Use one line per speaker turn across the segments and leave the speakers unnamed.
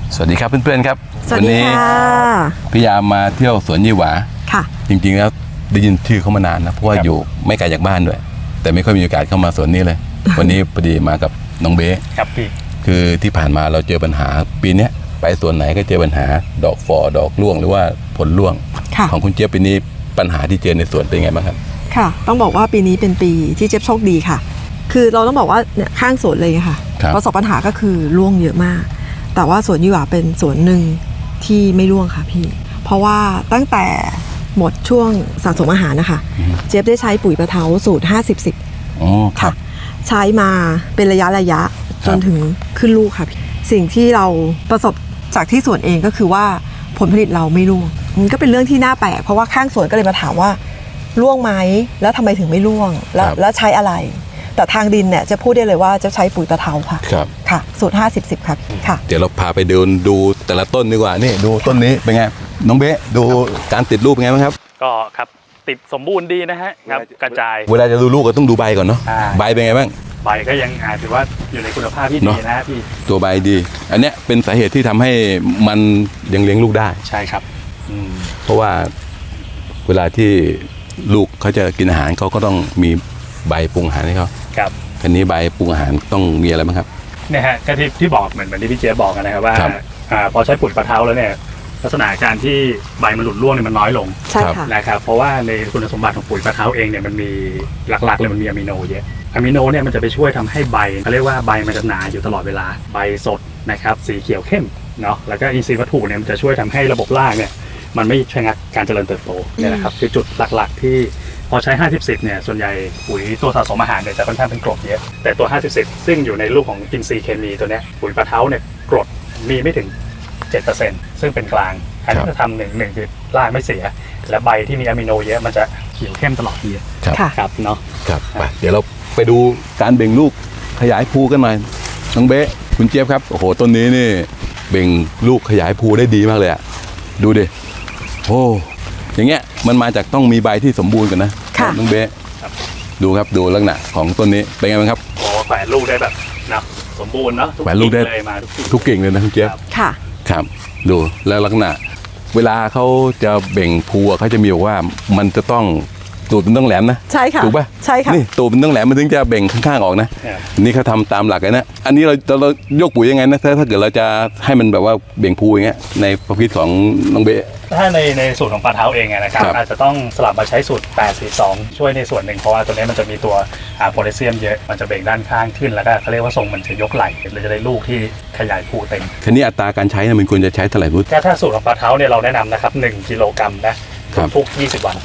สวัสดีครับเพื่อนๆครับ
สวัสดีค่ะ
พี่ยามมาเที่ยวสวนยี่หวา
ค่ะ
จริงๆแล้วได้ยินชื่อเขามานานนะเพราะว่าอยู่ไม่ไกลจากบ้านด้วยแต่ไม่ค่อยมีโอกาสเข้ามาสวนนี้เลย วันนี้พอดีมากับน้องเบ๊
ครับพี่
คือที่ผ่านมาเราเจอปัญหาปีนี้ไปสวนไหนก็เจอปัญหาดอกฝ่อดอกร่วงหรือว่าผลร่วงของคุณเจี๊ยบปีนี้ปัญหาที่เจอในสวนเป็นไงบ้างครับ
ค่ะต้องบอกว่าปีนี้เป็นปีที่เจี๊ยบโชคดีค่ะคือเราต้องบอกว่าเนี่ยข้างสวนเลยค่ะประสบปัญหาก็คือร่วงเยอะมากแต่ว่าสวนยี่หว่าเป็นสวนหนึ่งที่ไม่ร่วงค่ะพี่เพราะว่าตั้งแต่หมดช่วงสะสมอาหารนะคะเจี๊ยบได้ใช้ปุ๋ยปะเทาสูตร50-10
อ๋อค่ะ
ใช้มาเป็นระยะจนถึงขึ้นลูกค่ะสิ่งที่เราประสบจากที่สวนเองก็คือว่าผลผลิตเราไม่ร่วงมันก็เป็นเรื่องที่น่าแปลกเพราะว่าข้างสวนก็เลยมาถามว่าร่วงไหมแล้วทำไมถึงไม่ร่วงแล้วใช้อะไรแต่ทางดินเนี่ยจะพูดได้เลยว่าจะใช้ปุ๋ยปะเทาค่ะ
ครับ
ค่ะสูตร50-10ครับค่ะ
เดี๋ยวเราพาไปเดินดูแต่ละต้นดีกว่านี่ดูต้นนี้เป็นไงน้องเบ๊ดูการติดรูปเป็นไงบ้างครับ
ก็ครับติดสมบูรณ์ดีนะฮะครับกระจาย
เวลาจะดูลูกก็ต้องดูใบก่อนเนาะใบเป็นไงบ้าง
ใบก็ยังถือว่าอยู่ในคุณภาพที่ดีนะพี่
ตัวใบดีอันเนี้ยเป็นสาเหตุที่ทำให้มันยังเลี้ยงลูกได้
ใช่ครับ
เพราะว่าเวลาที่ลูกเขาจะกินอาหารเขาก็ต้องมีใบปรุงอาหารให้เขา
ครับ
ทีนี้ใบปรุงอาหารต้องมีอะไรบ้างครับ
เนี่ยฮะก็ที่บอกเหมือนที่พี่เจ๊บอกนะครับว่าพอใช้ปุ๋ยปะเทาแล้วเนี่ยลักษณะการที่ใบมันหลุดร่วงเนี่ยมันน้อยลง
ใช่ค่ะ
นะครับเพราะว่าในคุณสมบัติของปุ๋ยปะเทาเองเนี่ยมันมีหลักๆเลยมันมีอะมิโนเยอะอะมิโนเนี่ยมันจะไปช่วยทำให้ใบเขาเรียกว่าใบมันจะหนาอยู่ตลอดเวลาใบสดนะครับสีเขียวเข้มเนาะแล้วก็อินทรีย์วัตถุเนี่ยมันจะช่วยทำให้ระบบรากเนี่ยมันไม่ชะงักการเจริญเติบโตเนี่ยนะครับคือจุดหลักๆที่พอใช้50-10เนี่ยส่วนใหญ่ปุ๋ยตัวสะสมอาหารเนี่ยจะค่อนข้างเป็นกรดเยอะแต่ตัว50-10ซึ่งอยู่ในรูปของอินทรีย์เคมีตัวเนี้ยปุ๋ยปะเทาเนี่ยกรดมีไม่ถึง 7% ซึ่งเป็นกลางอันนี้จะทำหนึ่งคือรากไม่เสียและใบที่มีอะมิโนเยอะมันจะเขียวเข้มตลอดปีครับเนาะ
ครับไปเดี๋ยวเราไปดูการเบ่งลูกขยายภูกันหน่อยน้องเบ๊คุณเจี๊ยบครับโอ้โหต้นนี้นี่เบ่งลูกขยายภูได้ดีมากเลยอะดูดิโอ้อย่างเงี้ยมันมาจากต้องมีใบที่สมบูรณ์กันนะน้องเบ๊ดูครับดูลักษณะของต้นนี้เป็นไงบ้างครับ
โอ้แขวนลูกได้แบบนะสมบูรณ์เนาะ
แขวนลูกได้ทุกกิ่งเลยนะคุณเจี๊ยบ
ค่ะ
ครับดูแล้วลักษณะเวลาเขาจะเบ่งภูเขาจะมีบอกว่ามันจะต้องตูดมันต้องแหลมนะ
ใช่ค่ะ
ถูกป่ะ
ใช่ค่ะ
นี่ตูดมันต้องแหลมมันถึงจะเบ่งข้างๆออกนะนี่เขาทำตามหลักเลยนะอันนี้เรายกปุ๋ยยังไงนะถ้าเกิดเราจะให้มันแบบว่าเบ่งภูอย่างเงี้ยในประเภทของน้องเบ๊
ถ้าในสูตรของปลาเท้าเองนะครับอาจจะต้องสลับมาใช้สูตร8-4-2ช่วยในส่วนหนึ่งเพราะว่าตัวนี้มันจะมีตัวโพแทสเซียมเยอะมันจะเบ่งด้านข้างขึ้นแล้วก็เขาเรียกว่าทรงมันจะยกไหล่เราจะได้ลูกที่ขยายภูเต็ม
ทีนี้อัตราการใช้มันควรจะใช้เท่าไหร่พุทธ
ถ้าสูตรของปลาเท้าเนี่ยเราแนะนำนะครับ1กิโลกรัมนะทุก20 วัน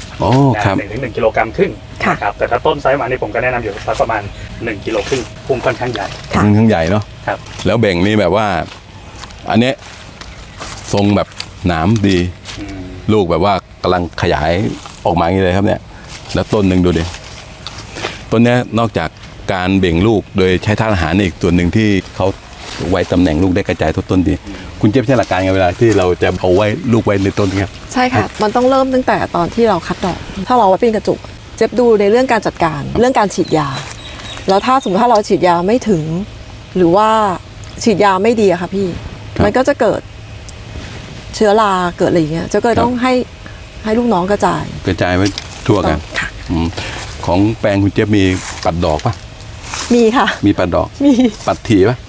1 กิโลกรัมครึ่งครับแต่ถ้าต้นไซส์มานี่ผมก็แนะนำอยู่ประมาณ1กิโลครึ่งพุ่มค่อนข้างใหญ่
ค่อนข้างใหญ่เนาะ
ครับ
แล้วเบ่งนี่แบบว่าอันนี้ทรงแบบหนามดีลูกแบบว่ากำลังขยายออกมาอย่างนี้เลยครับเนี่ยแล้วต้นหนึ่งดูดิต้นนี้นอกจากการเบ่งลูกโดยใช้ธาตุอาหารอีกส่วนหนึ่งที่เขาไว้ตำแหน่งลูกได้กระจายทั่วต้นดีคุณเจี๊ยบใช้หลักการไงเวลาที่เราจะเอาไว้ลูกไว้ในต้นครับ
ใช่ค่ะมันต้องเริ่มตั้งแต่ตอนที่เราคัดดอกถ้าเราไว้เป็นกระจุกเจี๊ยบดูในเรื่องการจัดการเรื่องการฉีดยาแล้วถ้าสมมติถ้าเราฉีดยาไม่ถึงหรือว่าฉีดยาไม่ดีอะค่ะพี่มันก็จะเกิดเชื้อราเกิดอะไรอย่างเงี้ยก็เลยต้องให้ลูกน้องกระจาย
ไว้ทั่วกันของแปลงคุณเจี๊ยบมีปัดดอกปะ
มีค่ะ
มีปัดดอก
มี
ปัดถี่ปะ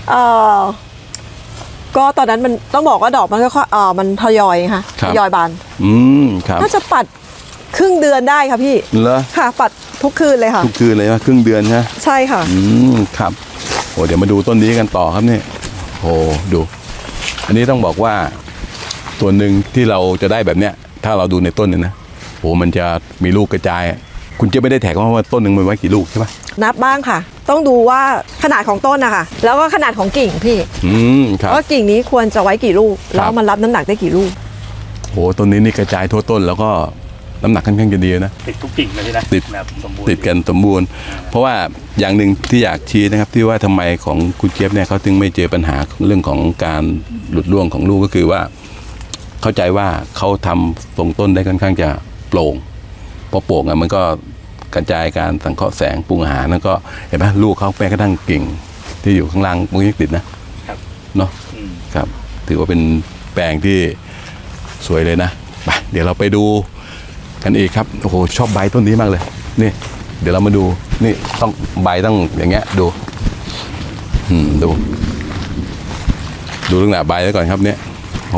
ก็ตอนนั้นมันต้องบอกว่าดอกมันก็มันทยอยค่ะทยอยบาน
ครับ
น่าจะปัดครึ่งเดือนได้ค่ะพี่
เหรอ
ค่ะปัดทุกคืนเลยค่ะ
ทุกคืนเลยว่าครึ่งเดือน
ใช่ค่ะ
ครับโอ้เดี๋ยวมาดูต้นนี้กันต่อครับนี่โอ้ดูอันนี้ต้องบอกว่าส่วนหนึ่งที่เราจะได้แบบเนี้ยถ้าเราดูในต้นเนี่ยนะโอ้มันจะมีลูกกระจายคุณจะไม่ได้แท็กว่าต้นหนึ่งมันไว้กี่ลูกใช่ปะ
นับบ้างค่ะต้องดูว่าขนาดของต้นนะคะแล้วก็ขนาดของกิ่งพี่
ครับ
ว่ากิ่งนี้ควรจะไว้กี่ลูกแล้วมันรับน้ำหนักได้กี่ลูก
โอ้ต้นนี้นี่กระจายทั่วต้นแล้วก็น้ำหนักค่อนข้างจะดีนะ
ติดทุกกิ่งเลยนะ
ติดกันสมบูรณ์เพราะว่าอย่างหนึ่งที่อยากชี้นะครับที่ว่าทำไมของคุณเจี๊ยบเนี่ยเขาถึงไม่เจอปัญหาเรื่องของการหลุดร่วงของลูกก็คือว่าเข้าใจว่าเขาทำทรงต้นได้ค่อนข้างจะโปร่งพอโปร่งมันก็กระจายการสังเคราะห์แสงปรุงอาหารแล้วก็เห็นไหมลูกเขาแม้กระทั่งกิ่งที่อยู่ข้างล่างมันยังติดนะครับเนาะครับถือว่าเป็นแปลงที่สวยเลยนะไปเดี๋ยวเราไปดูกันอีกครับโอ้โหชอบใบต้นนี้มากเลยนี่เดี๋ยวเรามาดูนี่ต้องใบต้องอย่างเงี้ยดูดูลักษณะใบไว้ก่อนครับเนี่ยโอ้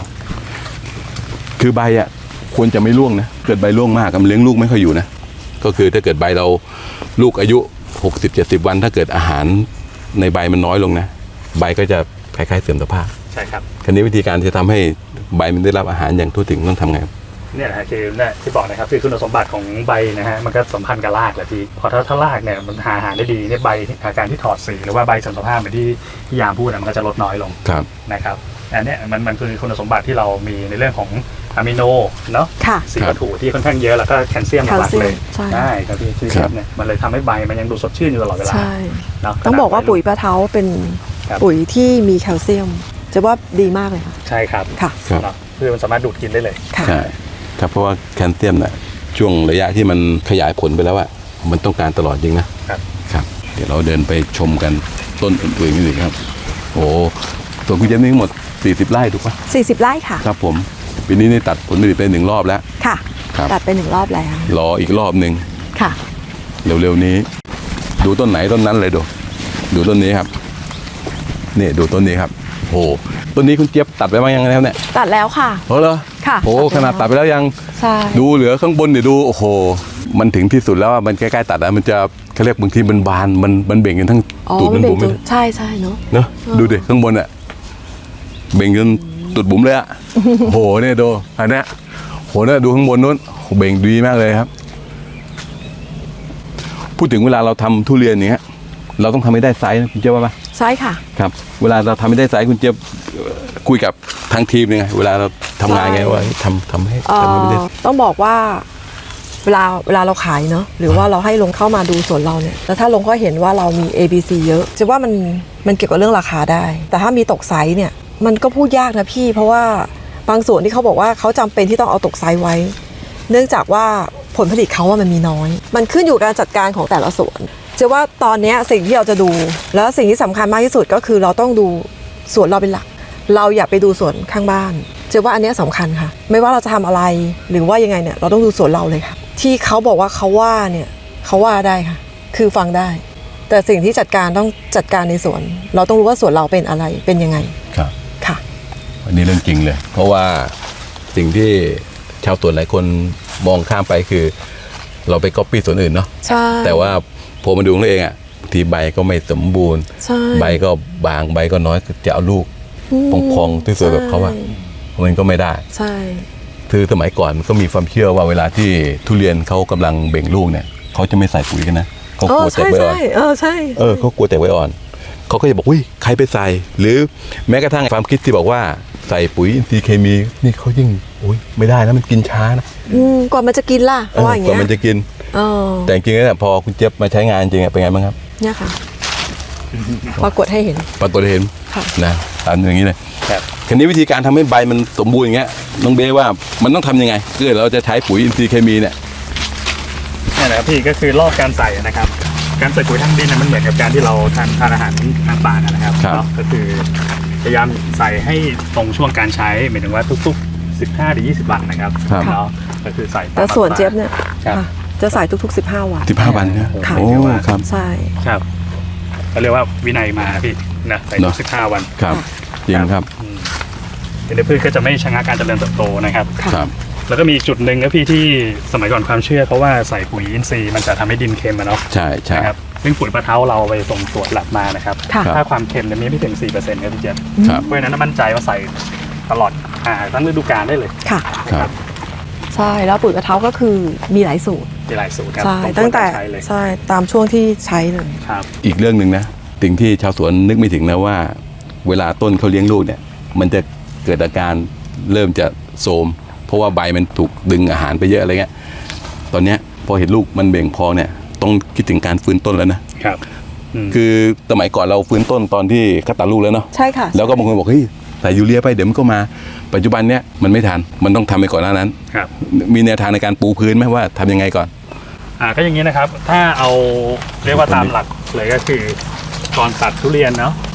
คือใบอ่ะควรจะไม่ร่วงนะเกิดใบร่วงมากมันเลี้ยงลูกไม่ค่อยอยู่นะก็คือถ้าเกิดใบเราลูกอายุ60-70 วันถ้าเกิดอาหารในใบมันน้อยลงนะใบก็จะคล้ายๆเสื่อมสภาพ
ใช่ครับ
คราวนี้วิธีการที่จะทำให้ใบมันได้รับอาหารอย่างทั่วถึงต้องทำไงครับ
เนี่ยนะฮะคือเนี่ยที่บอกนะครับคือคุณสมบัติของใบนะฮะมันก็สัมพันธ์กับรากแหละพี่พอถ้ารากเนี่ยมันหาอาหารได้ดีเนี่ยใบอาการที่ถอดสีหรือว่าใบเสื่อมสภาพเหมือนที่พี่ยามพูดนะมันก็จะลดน้อยลง
ครับ
นะครับอันเนี้ยมันคือคุณสมบัติที่เรามีในเรื่องของอะมิโนเนาะ
ค่ะ
สีวัตถุที่ค่อนข้างเยอะแล้วก็แคลเซียมหลักๆเลย
ใช่
ใช่ครับพี่ที่เนี่ยมันเลยทำให้ใบมันยังดูสดชื่นอยู่ตลอดเวลา
ใช่
เนาะ
ต้องบอกว่าปุ๋ยปลาเท้าเป็น
ครับ
ปุ๋ยที่มีแคลเซียมจะว่าดีมากเลยค่ะ
ใช่ครับ
ค่ะ
ครับ
เนาะคือมันสามารถดูดกินได้เลย
ค่ะ
ใช่ครับเพราะว่าแคลเซียมน่ะช่วงระยะที่มันขยายผลไปแล้วอะมันต้องการตลอดจริงนะครับ ครับเดี๋ยวเราเดินไปชมกันต้นอื่นๆนี่ครับโอ้ส่วนคุณเจมส์นี่ทั้งหมด40 ไร่ถูกปะ
40 ไร่ค่ะ
ครับผมปีนี้นี่ตัดผลผลิตไป1 รอบแล้ว
ค่ะ
ครับ
ตัดไป1 รอบแล้ว
รออีกรอบหนึ่ง
ค่ะ
เร็วๆนี้ ดูต้นไหนต้นนั้นเลยดูต้นนี้ครับนี่ดูต้นนี้ครับโอ้ต้นนี้คุณเจี๊ยบตัดไปบ้างยังแล้วเนี่ย
ตัดแล้วค่ะ
เหรอ
ค่ะ
โอ้ขนาดตัดไปแล้วยัง
ใช่
ดูเหลือข้างบนเดี๋ยวดูโอ้โหมันถึงที่สุดแล้วอะมันใกล้ๆตัดแล้วมันจะเขาเรียกบางทีมันบานมันเบ่งกันทั้ง
อ๋อ
ตูดมันบุ๋ม
เป็
เลย
ใช่ใช่เนาะ
เนอะดูดิข้างบนอะเบ่งจนตูดบุ๋มเลยอะโอ้โหเนี่ยดูอันเนี้ยโหเนี่ยดูข้างบนนู้นโหเบ่งดีมากเลยครับ พูดถึงเวลาเราทำทุเรียนอย่างเงี้ยเราต้องทำให้ได้ไซส์นะคุณเจี๊ยบว่าปะ
ใช่ค่ะ
ครับ เวลาเราทำให้ได้ไซส์คุณเจี๊ยบคุยกับทางทีมยังไงเวลาเราทำงานไงว่าทำให้ได้
ต้องบอกว่าเวลาเราขายเนาะหรือว่าเราให้ลงเข้ามาดูสวนเราเนี่ยแล้วถ้าลงก็เห็นว่าเรามี A B C เยอะจะว่ามันเกี่ยวกับเรื่องราคาได้ แต่ถ้ามีตกไซส์เนี่ยมันก็พูดยากนะพี่เพราะว่าบางส่วนที่เขาบอกว่าเขาจำเป็นที่ต้องเอาตกไซส์ไว้ เนื่องจากว่าผลผลิตเขาว่ามันมีน้อย มันขึ้นอยู่กับการจัดการของแต่ละสวนจะว่าตอนนี้สิ่งที่เราจะดูแล้วสิ่งที่สำคัญมากที่สุดก็คือเราต้องดูสวนเราเป็นหลัก เราอย่าไปดูสวนข้างบ้านเจอว่าอันเนี้ยสำคัญค่ะไม่ว่าเราจะทำอะไรหรือว่ายังไงเนี่ยเราต้องดูสวนเราเลยค่ะที่เขาบอกว่าเขาว่าเนี่ยเขาว่าได้ค่ะคือฟังได้ แต่สิ่งที่จัดการต้องจัดการในสวนเราต้องรู้ว่าสวนเราเป็นอะไรเป็นยังไง
ครับ
ค่ะ
อันนี้เรื่องจริงเลย เพราะว่าสิ่งที่ชาวสวนหลายคนมองข้ามไปคือ เราไปก๊อปปี้สวนอื่นเนาะ
ใช่
แต่ว่าพอมาดูของตัวเองอ่ะบางทีใบก็ไม่สมบูรณ์
ใช่
ใบก็บางใบก็น้อยจะเอาลูกพองๆที่สวยแบบเขาอะมันก็ไม่ได้
ใช่
คือสมัยก่อนมันก็มีความเชื่อว่าเวลาที่ทุเรียนเขากำลังเบ่งลูกเนี่ยเขาจะไม่ใส่ปุ๋ยกันนะเขากลัวแตกใบอ่อน
ใช่
เขากลัวแตกใบอ่อนเขาก็จะบอกอุ้ยใครไปใส่ หรือแม้กระทั่งความคิดที่บอกว่าใส่ปุ๋ยอินทรีย์เคมีนี่เขายิ่งอุ้ยไม่ได้นะมันกินช้านะ
ก่อนมันจะกินล่ะเพราะว่าอย่าง
ก่อน
เงี้ย
มันจะกิน แต่จริงๆแล้วพอคุณเจี๊ยบมาใช้งานจริงๆเป็นไงบ้างครับ
เนี่ยค่ะปรากฏให้เห็น
ปรากฏเห็น
ค่ะ
นะตามอย่างนี้เลย
ครับ
คันนี้วิธีการทำให้ใบมันสมบูรณ์อย่างเงี้ยน้องเบ้ว่ามันต้องทำยังไงเพื่อเราจะใช้ปุ๋ยอินทรีย์เคมีเนี่ย
นี่แหละครับพี่ก็คือรอบการใส่นะครับการใส่ปุ๋ยทางดินเนี่ยมันเหมือนกับการที่เราทานอาหารทางป่านะครับเนาะก็คือพยายามใส่ให้ตรงช่วงการใช้หมายถึงว่าทุกๆ15-20 วันนะครับ
ครับ
เนาะก็คือใส่
แต่ส่วนเจี๊ยบเนี่ย
ครับ
ค่ะจะใส่ทุกๆ15 วัน
15 วันเนี่ย
ค่ะ
โอ้ครับ
ใช่
ครับเขาเรียกว่าวินัยมาพี่นะใส่
เน
ทุ
อะ
ก15 วัน
ครับจริงครับ
เดี๋ยวพืชก็จะไม่ชะงักการเจริญเติบโตนะครับ
ครับ
แล้วก็มีอีกจุดหนึ่งนะพี่ที่สมัยก่อนความเชื่อเขาว่าใส่ปุ๋ยอินทรีย์มันจะทำให้ดินเค็มอะเนาะ
ใช่ใช่
นะครับซึ่งปุ๋ยปลาเท้าเราไปส่งตรวจแลบมานะครับ
ค่ะ
ถ้าความเค็มเนี่ยมีไม่ถึง 4%ครับพี่เจษ
ครับ
เพราะฉะนั้นมั่นใจว่าใส่ตลอดทั้งฤดูกาลได้เลย
ค่ะ
ครับ
ใช่แล้วปุ๋ยกระเท้าก็คือมีหลายสูตร
มีหลายสูตรครับ
ใช่
ร
ตั้งแต่
ใช้เลย
ใช่ตามช่วงที่ใช้เลย
ครับ
อีกเรื่องหนึ่งนะสิ่งที่ชาวสวนนึกไม่ถึงนะว่า เวลาต้นเขาเลี้ยงลูกเนี่ย มันจะเกิดอาการเริ่มจะโทรมเพราะว่าใบมันถูกดึงอาหารไปเยอะอะไรเงี้ยตอนเนี้ยพอเห็นลูกมันเบ่งพองเนี่ยต้องคิดถึงการฟื้นต้นแล้วนะครับ คือสมัยก่อนเราฟื้นต้นตอนที่เขาตัดลูกแล้วเนาะ
ใช่ค่ะ
แล้วก็บางคนบอกเฮ้ยใส่ยูเรียไปเดี๋ยวมันก็มาปัจจุบันเนี้ยมันไม่ทันมันต้องทำไปก่อนหน้านั้น
ครับ
มีแนวทางในการปูพื้นไหมว่าทำยังไงก่อน
ก็อย่างนี้นะครับถ้าเอาเรียกว่าตามหลักเลยก็คือก่อนตัดทุเรียนเนาะ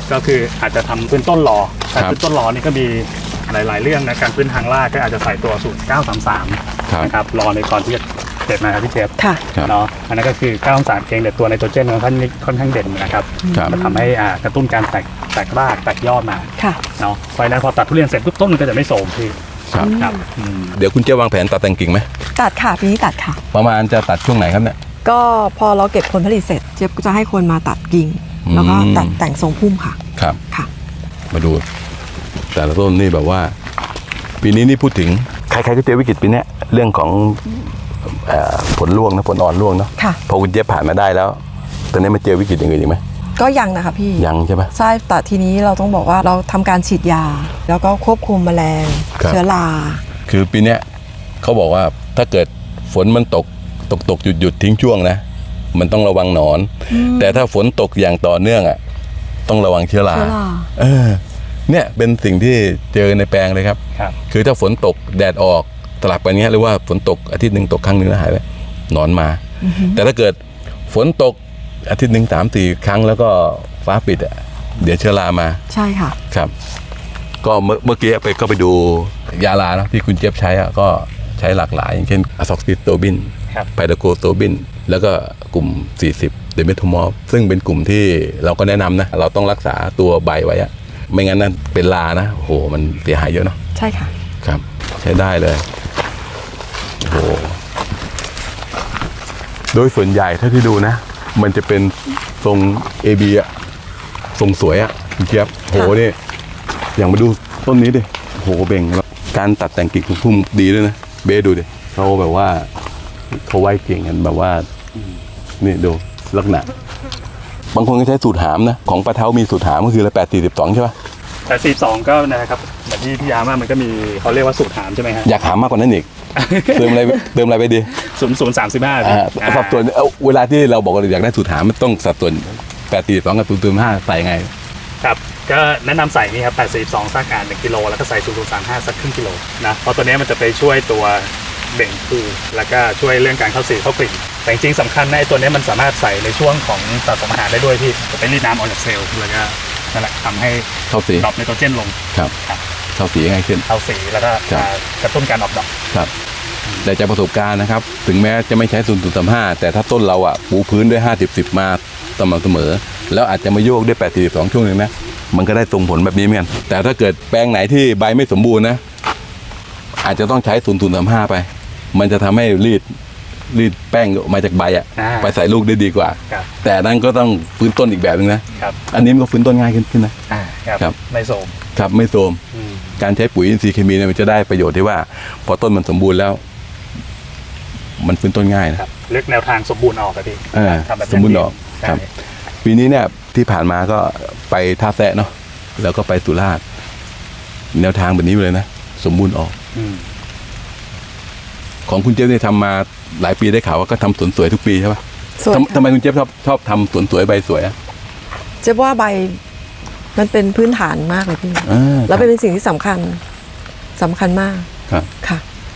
ก็คืออาจจะทำพื้นต้นรอแต่
ครับ
พื้นต้นรอนี่ก็มีหลาย ๆ เรื่องนะการพื้นทางลาดก็อาจจะใส่ตัวสูตร 933
ครับ
นะครับรอในก่อนที่จะเด็ดนะครับพี่เชฟ
ค่ะ
ครับ
เนาะอันนั้นก็คือ 933 เองแต่ตัวไนโตรเจนมันค่อนข้างเด่นนะครับ
ครับ
มันทำให้กระตุ้นการแตกรากแตกยอดมา
ค่ะ
เนาะเพราะฉะนั้นพอตัดทุเรียนเสร็จปุ๊บต้นมันก็จะไม่โทรมพี่
ครับ
ครับ
เดี๋ยวคุณเจ๊วางแผนตัดแต่งกิ่งไหม
ตัดค่ะปีนี้ตัดค่ะ
ประมาณจะตัดช่วงไหนครับเนี่ย
ก็พอเราเก็บผลผลิตเสร็จเจี๊ยบก็จะให้คนมาตัดกิ่ง
อืม
แล้วก็ตัดแต่งทรงพุ่มค่ะ
ครับ
ค่ะ
มาดู แต่ละต้นนี่แบบว่า ปีนี้นี่พูดถึงใครๆก็เจอวิกฤตปีเนี้ยเรื่องของผลร่วงนะผลอ่อนร่วงเนาะ
ค่ะ
พอคุณเจ๊ผ่านมาได้แล้วตอนนี้มาเจอวิกฤตอย่างอื่นอีกไหม
ก็ยังนะคะพี่
ยังใช่ไหม
ใช่แต่ทีนี้เราต้องบอกว่าเราทำการฉีดยา แล้วก็ควบคุมแมลง
ครับ
เชื้อรา
คือปีเนี้ยเขาบอกว่าถ้าเกิดฝนมันตกหยุดทิ้งช่วงนะ มันต้องระวังหนอน แต่ถ้าฝนตกอย่างต่อเนื่องอ่ะต้องระวังเชื้อรา
เชื้อรา
เออเนี่ยเป็นสิ่งที่เจอในแปลงเลยครับ
ครับ
คือถ้าฝนตกแดดออกสลับกันเงี้ยหรือว่าฝนตกอาทิตย์หนึ่งตกครั้งหนึงแล้วหายไปหนอนมา แต่ถ้าเกิดฝนตกอาทิตย์หนึ่ง3-4 ครั้งแล้วก็ฟ้าปิดอ่ะเดี๋ยวเชื้อรามา
ใช่ค่ะ
ครับ ก็เมื่อกี้ไปดูยาลาเนอะที่คุณเจี๊ยบใช้อะก็ใช้หลากหลาย อย่างเช่นอะซอกซิโตบิน
ครับ
ไพโดโกโตบิน แล้วก็กลุ่ม 40 เดเมทโมอลซึ่งเป็นกลุ่มที่เราก็แนะนำนะ เราต้องรักษาตัวใบไว้อะไม่งั้นนั่นเป็นลานะโอ้โหมันเสียหายเยอะเนาะ
ใช่ค่ะ
ครับ ใช้ได้เลยโอ้โหโดยส่วนใหญ่ถ้าที่ดูนะ มันจะเป็นทรง AB อะทรงสวยอะคุณเจี๊ยบโหนี่อย่างมาดูต้นนี้ดิโหเบ่งแล้วการตัดแต่งกิ่งพุ่มดีด้วยนะเบสดูดิเขาแบบว่าเขาไว้เก่งกันแบบว่านี่ดูลักษณะบางคนก็ใช้สูตรหามนะของปลาเท้ามีสูตรหามก็คือละ842ใช่ปะ
แต่42ก็นะครับแบบที่พี่ยามามันก็มีเขาเรียกว่าสูตรหามใช่ไหมฮะ
อยากหามมากกว่านั้นอีก เติมอะไรไปดี
0035
สัดส่วนเวลาที่เราบอกว่าอยากได้สูตรหามมันต้องสัดส่วน842กับ005ใส่ไง
ครับก็แนะนำใส่นี่ครับ842สัก1กิโลแล้วก็ใส่0035สักครึ่งกิโลนะเพราะตัวนี้มันจะไปช่วยตัวเบ่งภูแล้วก็ช่วยเรื่องการเข้าสีเข้ากลิ่นแต่จริงๆสำคัญนะไอ้ตัวนี้มันสามารถใส่ในช่วงของสะสมอาหารได้ด้วยพี่จะไปรีดน้ำออกจากเซลล์แล้วก็นั่นแหละทำให้
เข้าสี
ดรอปไนโตรเจนลง
ครับ
ครับ
เข้าสีง่ายขึ้น
เข้าสีแล้วก็
ครับ
กระตุ้นการออกดอก
ครับแต่จากประสบการณ์นะครับ ถึงแม้จะไม่ใช้0.35แต่ถ้าต้นเราอ่ะปูพื้นด้วย50-10มาสม่ำเสมอ แล้วอาจจะมาโยกด้วย842ช่วงหนึงนะมันก็ได้ส่งผลแบบนี้เหมือนกันแต่ถ้าเกิดแปลงไหนที่ใบไม่สมบูรณ์นะอาจจะต้องใช้0.35ไป มันจะทำให้รีดแป้งออกมาจากใบอ่ะไปใส่ลูกได้ดีกว่า
ครับ
แต่นั้นก็ต้องฟื้นต้นอีกแบบนึงนะครับ อันนี้มันก็ฟื้นต้นง่ายขึ้นนะ
ครับ
ครับ
ไม่โสม
ครับไม่โทรมการใช้ปุ๋ยอินทรีย์เคมีเนี่ยมันจะได้ประโยชน์ที่ว่าพอต้นมันสมบูรณ์แล้ว มันฟื้นต้นง่ายนะครับ
เลือกแนวทางสมบูรณ์ออกครับพี่ ทำแบบ
สมบูรณ์ออก
ใช่
ครับ ปีนี้เนี่ยที่ผ่านมาก็ไปท่าแซะเนาะแล้วก็ไปสุราษฎร์แนวทางแบบนี้เลยนะสมบูรณ์ออก
อืม
ของคุณเจี๊ยบเนี่ยทำมาหลายปีได้ข่าวว่าก็ทำสวนสวยทุกปีใช่ปะ
สวย
ทำไมคุณเจี๊ยบชอบทำสวนสวยใบสวยอะ
เจ๊ว่าใบมันเป็นพื้นฐานมากเลยพี่ แล้ว
ครับ
เป็นสิ่งที่สำคัญมาก
ครับ
ค่ะ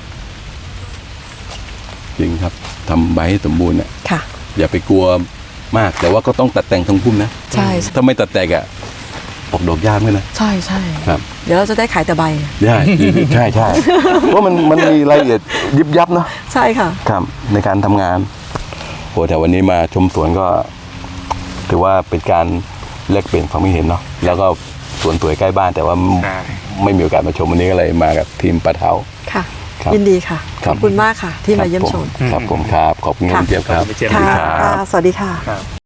จริงครับทำใบให้สมบูรณ์เนี่ย
ค่ะ
อย่าไปกลัวมากแต่ว่าก็ต้องตัดแต่งทรงพุ่มนะ
ใช่
ถ้าไม่ตัดแต่งอะออกดอกยากไหมนะ
ใช่ใช่
ครับ
เดี๋ยวเราจะได้ขายแต่ใบ
ใช่ใช่ใช่เพราะมันมีรายละเอียดยิบยับเนาะ
ใช่ค่ะ
ครับในการทำงานโหแต่วันนี้มาชมสวนก็ ถือว่าเป็นการแลกเปลี่ยนความคิดเห็นเนาะแล้วก็สวนสวยใกล้บ้านแต่ว่า
ใช่
ไม่มีโอกาสมาชมวันนี้ก็เลยมากับทีมปลาเท้า
ค่ะ
ครับ
ยินดีค่ะ
ครั
ข
บ
อบคุณมากค่ะ ที่มาเยี่ยมชม
ครับผมครับขอบคุณครับ
ขอบคุณ
เจี๊ยบครับ
พี่เจี๊ยบ
ค่ะ
ครับ
ค่ะ สวัสดีค่ะ
ครับ